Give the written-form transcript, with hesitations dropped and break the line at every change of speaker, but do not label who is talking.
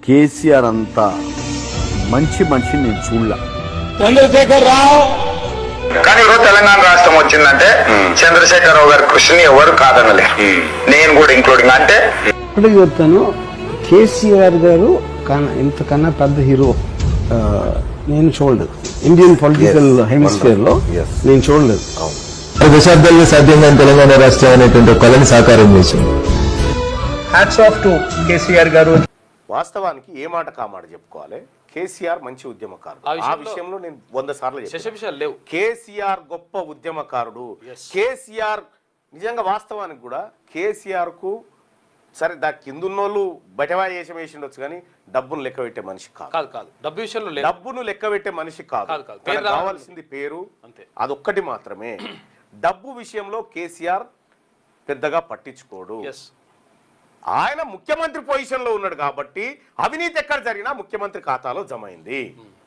కేసీఆర్ అంతా మంచి మనిషిని నేను చూడలే.
చంద్రశేఖర్ రావు
కానీ ఈరోజు తెలంగాణ రాష్ట్రం వచ్చిందంటే చంద్రశేఖరరావు గారి కృషిని ఎవరు కాదనలే, నేను కూడా ఇంక్లూడింగ్. అంటే
ఇప్పటికి చెప్తాను, కేసీఆర్ గారు ఇంతకన్నా పెద్ద హీరో నేను చూడలేదు. ఇండియన్ పొలిటికల్ హెమిస్ఫియర్ లో నేను చూడలేదు.
దశాబ్దాల్లో సాధ్యంగా తెలంగాణ రాష్ట్రం అనేటువంటి కళని సాకారం చేసింది.
హ్యాట్స్ ఆఫ్ టు కేసీఆర్ గారు.
వాస్తవానికి ఏ మాట కామాట చెప్పుకోవాలి, కేసీఆర్ మంచి ఉద్యమకారుడు. ఆ విషయంలో నేను 100 సార్లు చెప్పాను. కేసీఆర్ గొప్ప ఉద్యమకారుడు. కేసీఆర్ నిజంగా వాస్తవానికి కూడా కేసీఆర్ కు సరే దా కిందున్నోళ్ళు బటవా వేసిండొచ్చు కానీ డబ్బును లెక్క పెట్టే మనిషి కాదు.
డబ్బు విషయంలో
డబ్బును లెక్క పెట్టే మనిషి కాదు. కావాల్సింది పేరు అంతే, అదొక్కటి మాత్రమే. డబ్బు విషయంలో కేసీఆర్ పెద్దగా పట్టించుకోడు. ఆయన ముఖ్యమంత్రి పొజిషన్ లో ఉన్నాడు కాబట్టి అవినీతి ఎక్కడ జరిగినా ముఖ్యమంత్రి ఖాతాలో జమ అయింది.